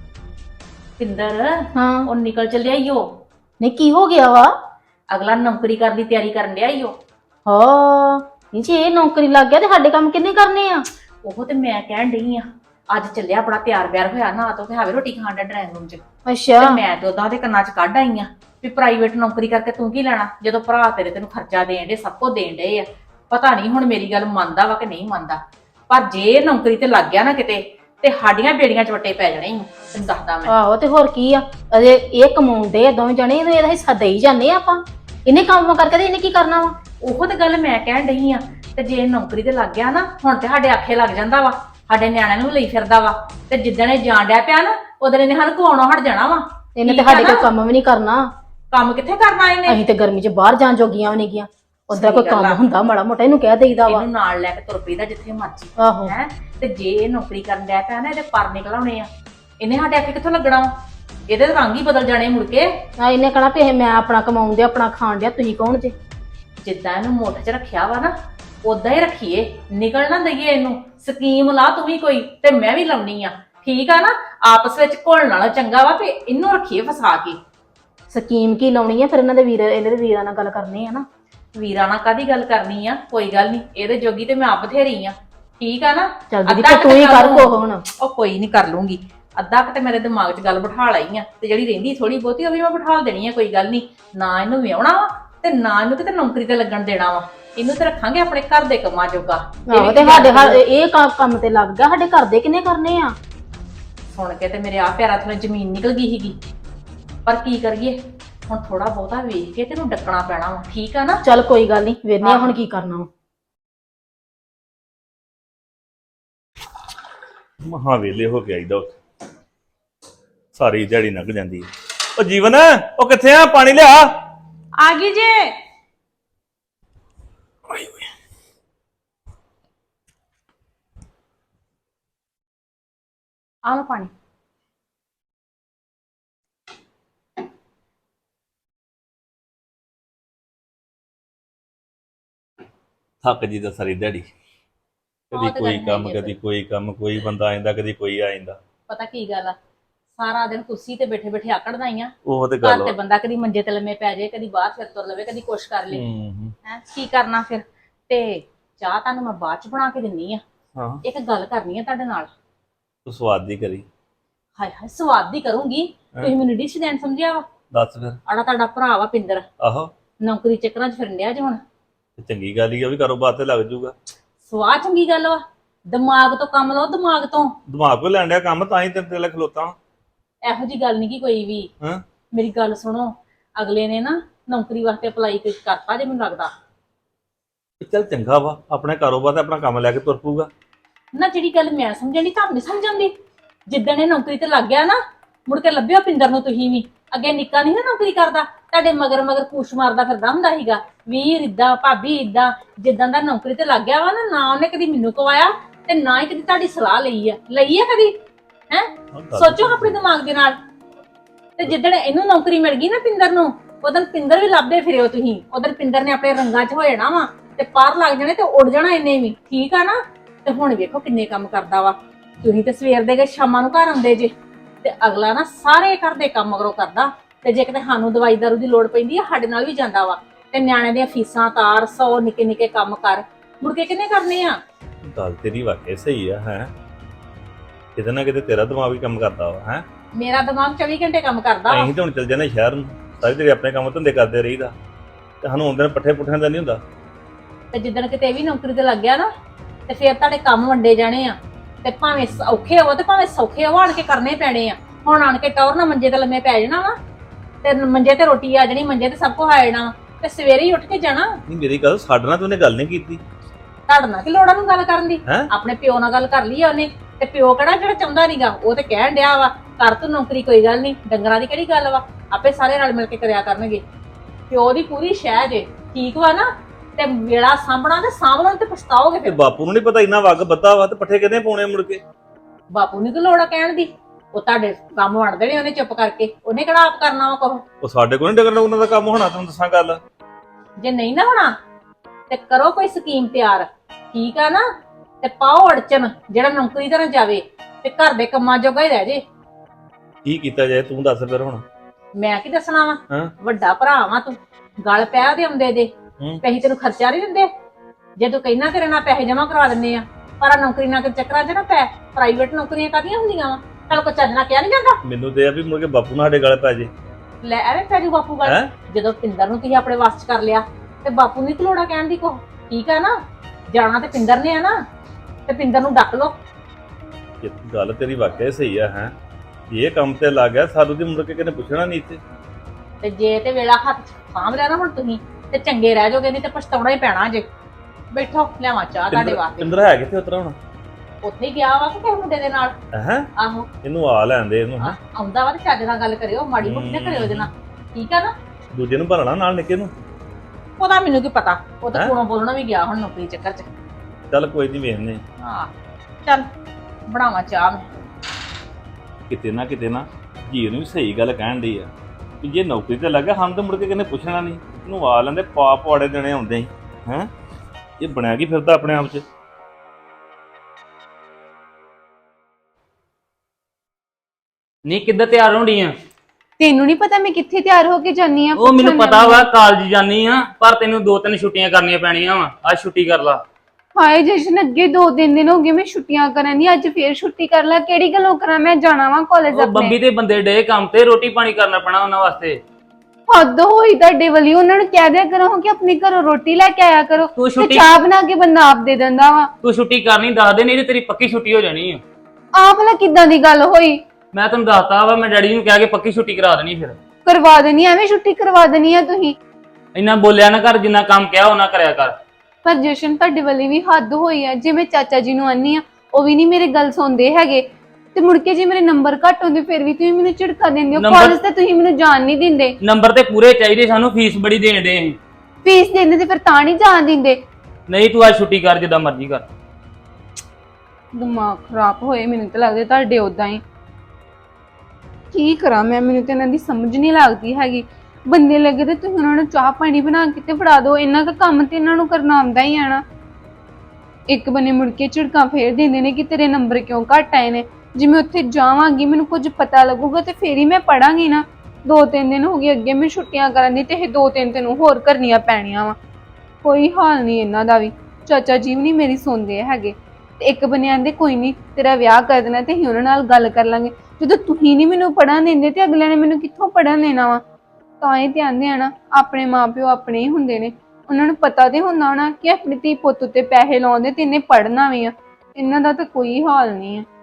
S2: ਪਿੰਦਰ,
S1: ਹਾਂ।
S2: ਉਹ ਨਿਕਲ ਚੱਲਿਆ ਈ। ਉਹ
S1: ਨਹੀਂ ਕੀ ਹੋ ਗਿਆ ਵਾ?
S2: ਅਗਲਾ ਨੌਕਰੀ ਕਰਨ ਦੀ ਤਿਆਰੀ ਕਰਨ ਡਿਆ ਈ। ਉਹ
S1: ਹਾਂ ਨਹੀਂ ਜੇ ਇਹ ਨੌਕਰੀ ਲੱਗ ਗਿਆ ਤੇ ਸਾਡੇ ਕੰਮ ਕਿੰਨੇ ਕਰਨੇ ਆ?
S2: ਉਹ ਤੇ ਮੈਂ ਕਹਿਣ ਡਈ ਆ, ਅੱਜ ਚੱਲਿਆ ਬੜਾ ਤਿਆਰ ਬਿਆਰ ਹੋਇਆ ਨਾ ਤੋ ਤੇ ਹਾਵੇ ਰੋਟੀ ਖਾਣ ਦਾ ਡਰਾਈਵਿੰਗ ਰੂਮ 'ਚ।
S1: ਅੱਛਾ।
S2: ਤੇ ਮੈਂ ਤੇ ਉਹਦਾ ਦੇ ਕੰਨਾਂ 'ਚ ਕੱਢ ਆਈ ਆ ਵੀ ਪ੍ਰਾਈਵੇਟ ਨੌਕਰੀ ਕਰਕੇ ਤੂੰ ਕੀ ਲੈਣਾ, ਜਦੋਂ ਭਰਾ ਤੇਰੇ ਤੈਨੂੰ ਖਰਚਾ ਦੇਣ ਡੇ, ਸਭ ਕੁਝ ਦੇਣ ਡੇ ਆ। ਪਤਾ ਨਹੀਂ ਹੁਣ ਮੇਰੀ ਗੱਲ ਮੰਨਦਾ ਵਾ ਕਿ ਨਹੀਂ ਮੰਨਦਾ, ਪਰ ਜੇ ਨੌਕਰੀ ਤੇ ਲੱਗ ਗਿਆ ਨਾ ਕਿਤੇ ਤੇ ਸਾਡੀਆਂ ਬੇੜੀਆਂ 'ਚ ਵੱਟੇ ਪੈ ਜਾਣੇ ਹੀ, ਤੈਨੂੰ ਦੱਸਦਾ ਮੈਂ।
S1: ਆਹੋ ਤੇ ਹੋਰ ਕੀ ਆ, ਅਜੇ ਇਹ ਕਮਾਉਂਦੇ ਆ ਦੋਵੇਂ ਜਣੇ, ਇਹਨੂੰ ਇਹਦਾ ਹਿੱਸਾ ਦੇਈ ਜਾਂਦੇ ਆ ਆਪਾਂ। ਇਹਨੇ ਕੰਮ ਕਰਕੇ ਤੇ ਇਹਨੇ ਕੀ ਕਰਨਾ ਵਾ?
S2: ਉਹੋ ਤੇ ਗੱਲ ਮੈਂ ਕਹਿਣ ਡਈ ਆ। ਤੇ ਜੇ ਨੌਕਰੀ ਤੇ ਲੱਗ ਗਿਆ ਨਾ, ਹੁਣ ਤੇ ਸਾਡੇ ਆਖੇ ਲੱਗ ਜਾਂਦਾ ਵਾ, ਸਾਡੇ ਨਿਆਣਿਆਂ ਨੂੰ ਲਈ ਫਿਰਦਾ ਵਾ। ਤੇ ਜਿੱਦਣ ਇਹ ਜਾਣ ਡਿਆ ਪਿਆ ਨਾ, ਉਦੋਂ ਇਹਨੇ ਸਾਨੂੰ ਘਵਾਉਣੋਂ ਹਟ ਜਾਣਾ ਵਾ।
S1: ਇਹਨੇ ਤੇ ਸਾਡੇ ਕੋਈ ਕੰਮ ਵੀ ਨਹੀਂ ਕਰਨਾ।
S2: ਕੰਮ ਕਿੱਥੇ ਕਰਨਾ ਇਹਨੇ?
S1: ਅਸੀਂ ਤੇ ਗਰਮੀ 'ਚ ਬਾਹਰ ਜਾਣ ਜੋਗੀਆਂ ਵੀ ਨਹੀਂ ਗਿਆ। ਉਧਰ ਕੋਈ ਕੰਮ ਹੁੰਦਾ ਮਾੜਾ ਮੋਟਾ ਇਹਨੂੰ ਕਹਿ ਦੇਈਦਾ ਵਾ।
S2: ਇਹਨੂੰ ਨਾਲ ਲੈ ਕੇ ਤੁਰ ਪਈਦਾ ਜਿੱਥੇ ਮਰਜ਼ੀ।
S1: ਆਹੋ।
S2: ਹੈ ਤੇ ਜੇ ਇਹ ਨੌਕਰੀ ਕਰਨ ਡਿਆ ਪਿਆ ਨਾ, ਇਹਦੇ ਪਰ ਨਿਕਲ ਆਉਣੇ ਆ। ਇਹਨੇ ਸਾਡੇ ਆਖੇ ਕਿੱਥੋਂ ਲੱਗਣਾ ਵਾ? ਇਹਦੇ ਤਾਂ ਰੰਗ ਹੀ ਬਦਲ ਜਾਣੇ ਮੁੜ ਕੇ।
S1: ਆ ਇਹਨੇ ਕਹਣਾ ਵੀ ਇਹ ਮੈਂ ਆਪਣਾ ਕਮਾਉਂਦੇ ਆਪਣਾ ਖਾਣ ਡਿਆ, ਤੁਸੀਂ ਕੌਣ ਜੇ?
S2: ਜਿੱਦਾਂ ਇਹਨੂੰ ਮੁੱਠ 'ਚ ਰੱਖਿਆ ਵਾ ਨਾ, ਉਦਾਂ ਹੀ ਰੱਖੀਏ, ਨਿਕਲ ਨਾ ਦਈਏ ਇਹਨੂੰ। ਸਕੀਮ ਲਾ ਤੂੰ ਵੀ ਕੋਈ ਤੇ ਮੈਂ ਵੀ ਲਾਉਣੀ ਆ, ਠੀਕ ਆ ਨਾ? ਆਪਸ ਵਿੱਚ ਘੁਲਣ ਨਾਲੋਂ ਚੰਗਾ ਵਾ ਵੀ ਇਹਨੂੰ ਰੱਖੀਏ ਫਸਾ ਕੇ।
S1: ਸਕੀਮ ਕੀ ਲਾਉਣੀ ਆ ਫਿਰ? ਇਹਨਾਂ ਦੇ ਵੀਰਾਂ ਨਾਲ ਗੱਲ ਕਰਨੀ ਆ ਨਾ।
S2: ਵੀਰਾਂ ਨਾਲ ਕਾਦੀ ਗੱਲ ਕਰਨੀ ਆ? ਕੋਈ ਗੱਲ ਨਹੀਂ, ਇਹਦੇ ਜੋਗੀ ਤੇ ਮੈਂ ਆਪ ਬਥੇਰੀ ਆ, ਠੀਕ ਆ ਨਾ?
S1: ਚੱਲ ਦੀਦੀ
S2: ਅੱਧਾ
S1: ਤੂੰ ਹੀ ਕਰ
S2: ਕੁ
S1: ਕੋ ਹੁਣ।
S2: ਉਹ ਕੋਈ ਨਹੀਂ ਕਰ ਲੂੰਗੀ। ਅੱਧਾ ਕਿ ਤੇ ਮੇਰੇ ਦਿਮਾਗ 'ਚ ਗੱਲ ਬਿਠਾ ਲਈ ਆ, ਤੇ ਜਿਹੜੀ ਰਹਿੰਦੀ ਥੋੜੀ ਬਹੁਤੀ ਉਹ ਵੀ ਮੈਂ ਬਿਠਾ ਦੇਣੀ ਆ। ਕੋਈ ਗੱਲ ਨਹੀਂ, ਨਾ ਇਹਨੂੰ ਵਿਆਹਣਾ ਵਾ ਤੇ ਨਾ ਇਹਨੂੰ ਕਿਤੇ ਨੌਕਰੀ ਤੇ ਲੱਗਣ ਦੇਣਾ ਵਾ। ਇਹਨੂੰ ਤੇ ਰੱਖਾਂਗੇ ਆਪਣੇ ਘਰ ਦੇ ਕੰਮਾਂ ਜੋਗਾ।
S1: ਆਹੋ ਤੇ ਸਾਡੇ ਇਹ ਕੰਮ ਤੇ ਲੱਗ ਗਿਆ, ਸਾਡੇ ਘਰ ਦੇ ਕਿੰਨੇ ਕਰਨੇ ਆ?
S2: ਸੁਣ ਕੇ ਤੇ ਮੇਰੇ ਆ ਪੈਰਾਂ ਥੱਲੇ ਜ਼ਮੀਨ ਨਿਕਲ ਗਈ ਸੀਗੀ, ਪਰ ਕੀ ਕਰੀਏ ਹੁਣ? ਥੋੜਾ ਬਹੁਤਾ ਵੇਖ ਕੇ ਤੈਨੂੰ ਡੱਕਣਾ ਪੈਣਾ ਵਾ, ਠੀਕ ਆ ਨਾ?
S1: ਚੱਲ ਕੋਈ ਗੱਲ ਨਹੀਂ, ਵੇਖਨੇ ਆ ਹੁਣ ਕੀ ਕਰਨਾ ਵਾ।
S6: ਮਹਾ ਵੇਲੇ ਹੋ ਗਿਆ ਇਹਦਾ ਉੱਥੇ, ਸਾਰੀ ਦਿਹਾੜੀ ਲੰਘ ਜਾਂਦੀ ਹੈ। ਉਹ ਜੀਵਨ, ਉਹ ਕਿੱਥੇ ਆ? ਪਾਣੀ ਲਿਆ।
S2: ਆ ਗਈ ਜੇ। ਆ ਲਓ ਪਾਣੀ।
S6: ਥੱਕ ਜੀ ਦਾ ਸਾਰੀ ਦਿਹਾੜੀ, ਕਦੀ
S2: ਤੇ
S6: ਕੋਈ
S2: ਗੱਲ
S6: ਕੰਮ
S2: ਹੈਗੀ ਆ
S6: ਕਦੀ ਕੋਈ ਕੰਮ, ਕੋਈ ਬੰਦਾ ਆ ਜਾਂਦਾ ਕਦੀ ਕੋਈ ਆ ਜਾਂਦਾ।
S2: ਪਤਾ ਕੀ ਗੱਲ ਆ, ਸਾਰਾ ਦਿਨ ਕੁਰਸੀ ਤੇ ਬੈਠੇ ਬੈਠੇ ਆਕੜਦਾ ਹੀ ਆ।
S6: ਉਹ ਤੇ
S2: ਘਰ
S6: ਗੱਲ
S2: ਤੇ
S6: ਆ।
S2: ਬੰਦਾ ਕਦੀ ਮੰਜੇ ਤੇ ਲੰਮੇ ਪੈ ਜਾਏ, ਕਦੀ ਬਾਹਰ ਫਿਰ ਤੁਰ ਲਵੇ, ਕਦੀ ਕੁਛ ਕਰ ਲੇ। ਹੈ ਕੀ ਕਰਨਾ ਫਿਰ? ਤੇ ਚਾਹ ਤੁਹਾਨੂੰ ਮੈਂ ਬਾਅਦ ਚ ਬਣਾ ਕੇ ਦਿੰਨੀ ਆ।
S6: ਹਾਂ,
S2: ਇੱਕ ਗੱਲ ਕਰਨੀ ਆ ਤੁਹਾਡੇ ਨਾਲ।
S6: ਤੂੰ ਸਵਾਦ ਦੀ ਕਰੀ।
S2: ਹਾਏ ਹਾਏ, ਸਵਾਦ ਦੀ ਕਰੂੰਗੀ। ਤੁਸੀਂ ਮੈਨੂੰ ਡਿਸ਼ ਦੇਣ ਸਮਝਿਆ ਵਾ?
S6: ਦੱਸ ਫਿਰ।
S2: ਆੜਾ ਤੁਹਾਡਾ ਭਰਾ ਵਾ ਪਿੰਦਰ,
S6: ਆਹੋ,
S2: ਨੌਕਰੀ ਚੱਕਰਾਂ 'ਚ ਫਿਰਨ ਡਿਆ ਜੇ ਹੁਣ।
S6: ਤੇ ਚੰਗੀ ਗੱਲ ਹੀ ਆ, ਵੀ ਕਾਰੋਬਾਰ ਤੇ ਲੱਗ ਜਾਊਗਾ।
S2: ਸਵਾਹ ਚੰਗੀ ਗੱਲ ਵਾ। ਦਿਮਾਗ ਤੋਂ ਕੰਮ ਲਓ, ਦਿਮਾਗ ਤੋਂ।
S6: ਦਿਮਾਗ ਕੋ ਲੈਣ ਡਿਆ ਕੰਮ, ਤਾਂ ਹੀ ਤੇਰੇ ਤੇ ਖਲੋਤਾ ਵਾਂ।
S2: ਇਹੋ ਜੀ ਗੱਲ ਨਹੀਂ ਕੀ ਕੋਈ ਵੀ।
S6: ਹਾਂ,
S2: ਮੇਰੀ ਗੱਲ ਸੁਣੋ, ਅਗਲੇ ਨੇ ਨਾ ਨੌਕਰੀ ਵਾਸਤੇ ਅਪਲਾਈ ਕਰਤਾ ਜੇ, ਮੈਨੂੰ ਲੱਗਦਾ।
S6: ਚੱਲ ਚੰਗਾ ਵਾ, ਆਪਣੇ ਕਾਰੋਬਾਰ ਤੇ ਆਪਣਾ ਕੰਮ ਲੈ ਕੇ ਤੁਰ ਪਊਗਾ।
S2: ਨਾ ਜਿਹੜੀ ਗੱਲ ਮੈਂ ਸਮਝਣੀ ਤੁਹਾਨੂੰ ਨਹੀਂ ਸਮਝਣ ਦੀ। ਜਿੱਦਣ ਇਹ ਨੌਕਰੀ ਤੇ ਲੱਗ ਗਿਆ ਨਾ, ਮੁੜ ਕੇ ਲੱਭਿਓ ਪਿੰਦਰ ਨੂੰ ਤੁਸੀਂ ਵੀ। ਅੱਗੇ ਨਿੱਕਾ ਨਹੀਂ ਨਾ ਨੌਕਰੀ ਕਰਦਾ, ਤੁਹਾਡੇ ਮਗਰ ਮਗਰ ਪੂਛ ਮਾਰਦਾ ਫਿਰਦਾ ਹੁੰਦਾ ਸੀਗਾ, ਵੀਰ ਇਦਾਂ ਭਾਬੀ ਇਦਾਂ। ਜਿੱਦਾਂ ਦਾ ਨੌਕਰੀ ਤੇ ਲੱਗ ਗਿਆ ਵਾ ਨਾ ਉਹਨੇ ਕਦੀ ਮੈਨੂੰ ਕਵਾਇਆ ਤੇ ਨਾ ਹੀ ਕਦੀ ਤੁਹਾਡੀ ਸਲਾਹ ਲਈ ਆ ਕਦੀ। ਹੈ ਸੋਚੋ ਆਪਣੇ ਦਿਮਾਗ ਦੇ ਨਾਲ। ਤੇ ਜਿੱਦਣ ਇਹਨੂੰ ਨੌਕਰੀ ਮਿਲ ਗਈ ਨਾ ਪਿੰਦਰ ਨੂੰ, ਉਦੋਂ ਪਿੰਦਰ ਵੀ ਲੱਭਦੇ ਫਿਰਿਓ ਤੁਸੀਂ। ਉਦੋਂ ਪਿੰਦਰ ਨੇ ਆਪਣੇ ਰੰਗਾਂ 'ਚ ਹੋ ਜਾਣਾ ਵਾ ਤੇ ਪਾਰ ਲੱਗ ਜਾਣੇ ਤੇ ਉੱਡ ਜਾਣਾ ਇਹਨੇ ਵੀ, ਠੀਕ ਆ ਨਾ? ਤੇ ਹੁਣ ਵੇਖੋ ਕਿੰਨੇ ਕੰਮ ਕਰਦਾ ਵਾ। ਤੁਸੀਂ ਤੇ ਸਵੇਰ ਦੇ ਗਏ ਸ਼ਾਮਾਂ ਨੂੰ ਘਰ ਆਉਂਦੇ ਜੇ, ਤੇ ਅਗਲਾ ਨਾ ਸਾਰੇ ਘਰ ਦੇ ਕੰਮ ਮਗਰੋਂ ਕਰਦਾ। ਤੇ ਜੇ ਕਿਤੇ ਸਾਨੂੰ ਦਵਾਈ ਦਾਰੂ ਦੀ ਲੋੜ ਪੈਂਦੀ ਆ, ਸਾਡੇ ਨਾਲ ਵੀ ਜਾਂਦਾ ਵਾ। ਤੇ ਨਿਆਣਿਆਂ ਦੀਆਂ ਫੀਸਾਂ ਤਾਰ, 100 ਨਿੱਕੇ ਨਿੱਕੇ ਕੰਮ ਕਰ, ਮੁੜ ਕੇ ਕਿੰਨੇ ਕਰਨੇ ਆ?
S6: ਗੱਲ ਤੇਰੀ ਵਾਕਿਆ ਸਹੀ ਆ। ਹੈ ਕਿਤੇ ਨਾ ਕਿਤੇ ਤੇਰਾ ਦਿਮਾਗ ਵੀ ਕੰਮ ਕਰਦਾ ਵਾ। ਹੈ
S2: ਮੇਰਾ ਦਿਮਾਗ 24 ਘੰਟੇ ਕੰਮ ਕਰਦਾ ਵਾ।
S6: ਅਸੀਂ ਤਾਂ ਹੁਣ ਚੱਲ ਜਾਂਦੇ ਸ਼ਹਿਰ ਨੂੰ, ਸਾਰੀ ਦਿਹਾੜੀ ਆਪਣੇ ਕੰਮ ਧੰਦੇ ਕਰਦੇ ਰਹੀਦਾ, ਤੇ ਸਾਨੂੰ ਆਉਂਦੇ ਨੇ ਪੱਠੇ ਪੁੱਠਿਆਂ ਦਾ ਨਹੀਂ ਹੁੰਦਾ।
S2: ਤੇ ਜਿੱਦਣ ਕਿਤੇ ਵੀ ਨੌਕਰੀ ਤੇ ਲੱਗ ਗਿਆ ਨਾ, ਤੇ ਫਿਰ ਤੁਹਾਡੇ ਕੰਮ ਵੰਡੇ ਜਾਣੇ ਆ। ਤੇ ਭਾਵੇਂ ਔਖੇ ਹੋਵੋ ਤੇ ਭਾਵੇਂ ਸੌਖੇ ਹੋਵੋ, ਆਣ ਕੇ ਕਰਨੇ ਪੈਣੇ ਆ। ਹੁਣ ਆਣ ਕੇ ਟੌਰ ਨਾ ਮੰਜੇ ਤੇ ਲੰਮੇ ਪੈ ਜਾਣਾ ਵਾ, ਤੇ ਮੰਜੇ ਤੇ ਰੋਟੀ ਆ ਜਾਣੀ, ਮੰਜੇ ਤੇ ਸਭ ਕੁਝ ਆ ਜਾਣਾ ਵਾ। ਤੇ ਸਵੇਰੇ ਹੀ ਉੱਠ ਕੇ ਜਾਣਾ।
S6: ਨਹੀਂ ਮੇਰੀ ਗੱਲ ਸਾਡੇ ਨਾਲ ਤੂੰ ਉਹਨੇ ਗੱਲ ਨਹੀਂ ਕੀਤੀ
S2: ਤੁਹਾਡੇ ਨਾਲ ਕਿ ਲੋੜਾਂ ਨੂੰ ਗੱਲ ਕਰਨ ਦੀ?
S6: ਹੈਂ?
S2: ਆਪਣੇ ਪਿਓ ਨਾਲ ਗੱਲ ਕਰ ਲਈ ਆ ਉਹਨੇ। ਤੇ ਪਿਓ ਕਿਹੜਾ ਜਿਹੜਾ ਚਾਹੁੰਦਾ ਨਹੀਂਗਾ, ਉਹ ਤੇ ਕਹਿਣ ਡਿਆ ਵਾ ਕਰ ਤੂੰ ਨੌਕਰੀ, ਕੋਈ ਗੱਲ ਨਹੀਂ, ਡੰਗਰਾਂ ਦੀ ਕਿਹੜੀ ਗੱਲ ਵਾ, ਆਪੇ ਸਾਰੇ ਰਲ ਮਿਲ ਕੇ ਕਰਿਆ ਕਰਨਗੇ। ਪਿਓ ਦੀ ਪੂਰੀ ਸ਼ਹਿ ਜੇ, ਠੀਕ ਵਾ ਨਾ? ਤੇ ਵੇਲਾ ਸਾਂਭਣਾ ਤੇ ਸਾਂਭਣਾ ਤੇ ਪਛਤਾਓਗੇ
S6: ਤੇ
S2: ਫਿਰ।
S6: ਬਾਪੂ ਨੂੰ ਨਹੀਂ ਪਤਾ ਇੰਨਾ ਵਗ ਬੱਦਾ ਵਾ ਤੇ ਪੱਠੇ ਕਿਹਦੇ ਪਾਉਣੇ ਮੁੜ ਕੇ?
S2: ਬਾਪੂ ਨੂੰ ਕੀ ਲੋੜ ਆ ਕਹਿਣ ਦੀ? ਉਹ ਤੁਹਾਡੇ ਕੰਮ ਵੰਡ ਦੇਣੇ ਉਹਨੇ ਚੁੱਪ ਕਰਕੇ, ਉਹਨੇ ਕਿਹੜਾ ਆਪ ਕਰਨਾ ਵਾ ਕਹੋ।
S6: ਉਹ ਸਾਡੇ ਕੋਲ ਨਹੀਂ ਡੰਗਰ ਉਹਨਾਂ ਦਾ ਕੰਮ ਹੋਣਾ, ਤੈਨੂੰ ਦੱਸਾਂ ਗੱਲ।
S2: ਜੇ ਨਹੀਂ ਨਾ ਹੋਣਾ ਤੇ ਕਰੋ ਕੋਈ ਸਕੀਮ ਤਿਆਰ, ਠੀਕ ਆ ਨਾ? ਤੇ ਪਾਓ ਅੜਚਨ, ਜਿਹੜਾ ਨੌਕਰੀ ਤੇ ਨਾ ਜਾਵੇ ਤੇ ਘਰ ਦੇ ਕੰਮਾਂ ਜੋਗਾ ਹੀ ਰਹਿ ਜੇ।
S6: ਕੀ ਕੀਤਾ ਜਾਏ ਤੂੰ ਦੱਸ ਫਿਰ ਹੁਣ।
S2: ਮੈਂ ਕੀ ਦੱਸਣਾ ਵਾ?
S6: ਹਾਂ।
S2: ਵੱਡਾ ਭਰਾ ਵਾ ਤੂੰ, ਗੱਲ ਪੈ ਉਹਦੇ ਆਉਂਦੇ ਦੇ
S6: ਹੂੰ।
S2: ਪੈਸੇ ਤੈਨੂੰ ਖਰਚਾ ਨਹੀਂ ਦਿੰਦੇ? ਜੇ ਤੂੰ ਕਹਿਣਾ ਤੇਰੇ ਨਾਲ ਪੈਸੇ ਜਮਾ ਕਰਾ ਦਿੰਦੇ ਆ, ਪਰ ਆਹ ਨੌਕਰੀ ਨਾ ਚੱਕਰਾਂ 'ਚ ਨਾ ਪੈ। ਪ੍ਰਾਈਵੇਟ ਨੌਕਰੀਆਂ ਕਾਹਦੀਆਂ ਹੁੰਦੀਆਂ ਵਾ? ਚੱਲ ਕੋਈ ਚੱਜ ਨਾਲ ਕਿਹਾ ਨਹੀਂ ਜਾਂਦਾ।
S6: ਮੈਨੂੰ ਤੇ ਆ ਵੀ ਮੁੜ ਕੇ ਬਾਪੂ ਨਾਲ ਸਾਡੇ ਗੱਲ ਪੈ ਜੇ।
S2: ਲੈ ਐਵੇਂ ਪੈ ਜੂ ਬਾਪੂ ਗੱਲ।
S6: ਹੈਂ?
S2: ਜਦੋਂ ਪਿੰਦਰ ਨੂੰ ਤੁਸੀਂ ਆਪਣੇ ਵੱਸ 'ਚ ਕਰ ਲਿਆ ਤੇ ਬਾਪੂ ਨੂੰ ਕੀ ਲੋੜ ਆ ਕਹਿਣ ਦੀ ਕੋ, ਠੀਕ ਆ ਨਾ? ਜਾਣਾ ਤੇ ਪਿੰਦਰ ਨੇ ਆ ਨਾ, ਤੇ ਪਿੰਦਰ ਨੂੰ ਡੱਕ ਲਓ।
S6: ਇਹ ਗੱਲ ਤੇਰੀ ਵਾਕਿਆ ਸਹੀ ਆ। ਹੈ ਇਹ ਕੰਮ ਤੇ ਲੱਗ ਗਿਆ, ਸਾਨੂੰ ਦੀ ਮੁੜ ਕੇ ਕਿਹਨੇ ਪੁੱਛਣਾ ਨਹੀਂ ਇੱਥੇ।
S2: ਤੇ ਜੇ ਤੇ ਵੇਲਾ ਹੱਥ 'ਚ ਸਾਂਭ ਲਿਆ ਨਾ ਹੁਣ ਤੁਸੀਂ, ਤੇ ਚੰਗੇ ਰਹਿ ਜਾਓਗੇ, ਨਹੀਂ ਤੇ ਪਛਤਾਉਣਾ ਹੀ ਪੈਣਾ ਜੇ। ਬੈਠੋ, ਲਿਆਵਾਂ ਚਾਹ ਤੁਹਾਡੇ ਵਾਸਤੇ।
S6: ਪਿੰਦਰ ਹੈ ਕਿੱਥੇ ਉਤਰਾ ਹੁਣ?
S2: ਉੱਥੇ ਹੀ ਗਿਆ ਵਾ ਕਿ ਕਿਸੇ ਮੁੰਡੇ ਦੇ ਨਾਲ।
S6: ਹੈ
S2: ਆਹੋ,
S6: ਇਹਨੂੰ ਆ ਲੈਣ ਦੇ ਇਹਨੂੰ। ਹੈਂ?
S2: ਆਉਂਦਾ ਵਾ ਤੇ ਚੱਜ ਨਾਲ ਗੱਲ ਕਰਿਓ, ਮਾੜੀ ਮੋਟੀ ਨਾ ਕਰਿਓ ਉਹਦੇ ਨਾਲ, ਠੀਕ ਆ ਨਾ?
S6: ਦੂਜੇ ਨੂੰ ਭਰਣਾ ਨਾਲ ਨਿੱਕੇ ਨੂੰ।
S2: ਉਹਦਾ ਮੈਨੂੰ ਕੀ ਪਤਾ, ਉਹ ਤਾਂ
S6: ਹੈਂ?
S2: ਕੋਲੋਂ ਬੋਲਣਾ ਵੀ ਗਿਆ ਹੁਣ ਨੌਕਰੀ ਚੱਕਰ 'ਚ।
S6: ਚੱਲ ਕੋਈ ਨਹੀਂ ਵੇਖਨੇ।
S2: ਹਾਂ ਚੱਲ ਬਣਾਵਾਂ ਚਾਹ ਮੈਂ।
S6: ਕਿਤੇ ਨਾ ਜੀ ਨੂੰ ਵੀ ਸਹੀ ਗੱਲ ਕਹਿਣ ਡਈ ਆ ਕਿ ਜੇ ਨੌਕਰੀ ਤੇ ਲੱਗਾ ਸਾਨੂੰ ਤਾਂ ਮੁੜ ਕੇ ਕਿਹਨੇ ਪੁੱਛਣਾ ਨਹੀਂ। ਇਹਨੂੰ ਆ ਲੈਂਦੇ ਪਵਾੜੇ ਦੇਣੇ ਆਉਂਦੇ ਹੀ। ਹੈ ਇਹ ਬਣਿਆ ਕੀ ਫਿਰਦਾ ਆਪਣੇ ਆਪ 'ਚ।
S7: ਨਹੀਂ ਕਿੱਦਾਂ ਤਿਆਰ ਹੋਣੀ ਆ?
S8: ਤੈਨੂੰ ਨਹੀਂ ਪਤਾ ਮੈਂ ਕਿੱਥੇ ਤਿਆਰ ਹੋ ਕੇ ਜਾਨੀ ਆ?
S7: ਉਹ ਮੈਨੂੰ ਪਤਾ ਵਾ ਕਾਲਜ ਜਾਨੀ ਆ, ਪਰ ਤੈਨੂੰ 2-3 ਛੁੱਟੀਆਂ ਕਰਨੀਆਂ ਪੈਣੀਆਂ ਵਾ। ਅੱਜ ਛੁੱਟੀ ਕਰ ਲਾ।
S8: ਹਾਏ ਜਸ਼ਨ, ਅੱਗੇ 2-3 ਦਿਨ ਹੋ ਗਏ ਮੈਂ ਛੁੱਟੀਆਂ ਕਰਨ ਦੀ, ਅੱਜ ਫੇਰ ਛੁੱਟੀ ਕਰ ਲਾ। ਕਿਹੜੀ ਗੱਲੋਂ ਕਰਾਂ? ਮੈਂ ਜਾਣਾ ਵਾ ਕਾਲਜ
S7: ਉਹ ਬੰਬੀ
S8: ਆਪਣੇ।
S7: ਦੇ ਬੰਦੇ ਡੇ ਕੰਮ ਤੇ, ਰੋਟੀ ਪਾਣੀ ਕਰਨਾ ਪੈਣਾ ਉਹਨਾਂ ਵਾਸਤੇ।
S8: ਹੱਦ ਹੋਈ ਤੁਹਾਡੇ ਵਾਲੀ। ਉਹਨਾਂ ਨੂੰ ਕਹਿ ਦਿਆ ਕਰੋ ਕਿ ਆਪਣੇ ਘਰੋਂ ਰੋਟੀ ਲੈ ਕੇ ਆਇਆ ਕਰੋ,
S7: ਤੂੰ
S8: ਤੇ
S7: ਛੁੱਟੀ
S8: ਚਾਹ ਬਣਾ ਕੇ ਬੰਦਾ ਆਪ ਦੇ ਦਿੰਦਾ ਵਾ।
S7: ਤੂੰ ਛੁੱਟੀ ਕਰਨੀ ਦੱਸ ਦੇ, ਨਹੀਂ ਤੇ ਤੇਰੀ ਪੱਕੀ ਛੁੱਟੀ ਹੋ ਜਾਣੀ ਆ।
S8: ਆਪ ਨਾ ਕਿੱਦਾਂ ਦੀ ਗੱਲ ਹੋਈ?
S7: ਮੈਂ ਤੈਨੂੰ ਦੱਸਤਾ ਵਾ, ਮੈਂ ਡੈਡੀ ਨੂੰ ਕਹਿ ਕੇ ਪੱਕੀ ਛੁੱਟੀ ਕਰਾ ਦੇਣੀ। ਫਿਰ
S8: ਕਰਵਾ ਦੇਣੀ, ਐਵੇਂ ਛੁੱਟੀ ਕਰਵਾ ਦੇਣੀ ਆ ਤੁਸੀਂ?
S7: ਇੰਨਾ ਬੋਲਿਆ ਨਾ ਕਰ, ਜਿੰਨਾ ਕੰਮ ਕਿਹਾ ਉਹਨਾਂ ਕਰਿਆ ਕਰ।
S8: ਪਰ ਜਸ਼ਨ, ਤੁਹਾਡੇ ਵਾਲੀ ਵੀ ਹੱਦ ਹੋਈ ਆ। ਜੇ ਮੈਂ ਚਾਚਾ ਜੀ ਨੂੰ ਆਨੀ ਆ, ਉਹ ਵੀ ਨਹੀਂ ਮੇਰੇ ਗੱਲ ਸੁਣਦੇ ਹੈਗੇ, ਤੇ ਮੁੜ ਕੇ ਜੇ ਮੇਰੇ ਨੰਬਰ ਘੱਟ ਹੁੰਦੇ ਫਿਰ ਵੀ ਤੁਸੀਂ ਮੈਨੂੰ ਝਿੜਕਾ ਦਿੰਦੇ ਹੋ। ਕਾਲਜ ਤੇ ਤੁਸੀਂ ਮੈਨੂੰ ਜਾਣ ਨਹੀਂ ਦਿੰਦੇ।
S7: ਨੰਬਰ ਤੇ ਪੂਰੇ ਚਾਹੀਦੇ ਸਾਨੂੰ, ਫੀਸ ਬੜੀ ਦੇਣ ਦੇ ਅਸੀਂ।
S8: ਫੀਸ ਦਿੰਦੇ ਤੇ ਫਿਰ ਤਾਂ ਨਹੀਂ ਜਾਣ ਦਿੰਦੇ।
S7: ਨਹੀਂ ਤੂੰ ਅੱਜ ਛੁੱਟੀ ਕਰ, ਜਿੱਦਾਂ ਮਰਜ਼ੀ ਕਰ।
S8: ਦਿਮਾਗ ਖਰਾਬ ਹੋਏ ਮੈਨੂੰ ਤਾਂ ਲੱਗਦਾ ਤੁਹਾਡੇ ਉਦਾਂ ਹੀ। ਕੀ ਕਰਾਂ ਮੈਂ? ਮੈਨੂੰ ਤੇ ਇਹਨਾਂ ਦੀ ਸਮਝ ਨਹੀਂ ਲੱਗਦੀ ਹੈਗੀ। ਬੰਦੇ ਲੱਗੇ ਤੇ ਤੁਸੀਂ ਉਹਨਾਂ ਨੂੰ ਚਾਹ ਪਾਣੀ ਬਣਾ ਕੇ ਤੇ ਫੜਾ ਦਿਓ। ਇਹਨਾਂ ਦਾ ਕੰਮ ਤੇ ਇਹਨਾਂ ਨੂੰ ਕਰਨਾ ਆਉਂਦਾ ਹੀ ਆਣਾ। ਇੱਕ ਬੰਨੇ ਮੁੜ ਕੇ ਝਿੜਕਾਂ ਫੇਰ ਦਿੰਦੇ ਨੇ ਕਿ ਤੇਰੇ ਨੰਬਰ ਕਿਉਂ ਘੱਟ ਆਏ ਨੇ। ਜੇ ਮੈਂ ਉੱਥੇ ਜਾਵਾਂਗੀ, ਮੈਨੂੰ ਕੁਝ ਪਤਾ ਲੱਗੂਗਾ ਤੇ ਫੇਰ ਹੀ ਮੈਂ ਪੜਾਂਗੀ ਨਾ। 2-3 ਦਿਨ ਹੋ ਗਏ ਅੱਗੇ ਮੈਂ ਛੁੱਟੀਆਂ ਕਰਨ ਦੀ, ਤੇ ਇਹ 2-3 ਦਿਨ ਹੋਰ ਕਰਨੀਆਂ ਪੈਣੀਆਂ ਵਾ। ਕੋਈ ਹਾਲ ਨਹੀਂ ਇਹਨਾਂ ਦਾ ਵੀ। ਚਾਚਾ ਜੀ ਵੀ ਨਹੀਂ ਮੇਰੀ ਸੁਣਦੇ ਹੈਗੇ। ਤੇ ਇੱਕ ਬੰਨੇ ਆਂਦੇ ਕੋਈ ਨਹੀਂ, ਤੇਰਾ ਵਿਆਹ ਕਰ ਦੇਣਾ ਤੇ ਅਸੀਂ ਉਹਨਾਂ ਨਾਲ ਗੱਲ ਕਰ ਲਾਂਗੇ। ਜਦੋਂ ਤੁਸੀਂ ਨਹੀਂ ਮੈਨੂੰ ਪੜ੍ਹਨ ਦਿੰਦੇ ਤੇ ਅਗਲਿਆਂ ਨੇ ਮੈਨੂੰ ਕਿੱਥੋਂ ਪੜ੍ਹਨ ਦੇਣਾ ਵਾ? ਤਾਂ ਇਹ ਧਿਆਨ ਆ ਨਾ, ਆਪਣੇ ਮਾਪਿਓ ਆਪਣੇ ਹੀ ਹੁੰਦੇ ਨੇ। ਉਹਨਾਂ ਨੂੰ ਪਤਾ ਤੇ ਹੁੰਦਾ ਹੋਣਾ ਕਿ ਆਪਣੀ ਧੀ ਪੁੱਤ ਉੱਤੇ ਪੈਸੇ ਲਾਉਂਦੇ ਤੇ ਇਹਨੇ ਪੜ੍ਹਨਾ ਵੀ ਆ। ਇਹਨਾਂ ਦਾ ਤਾਂ ਕੋਈ ਹਾਲ ਨਹੀਂ ਹੈ।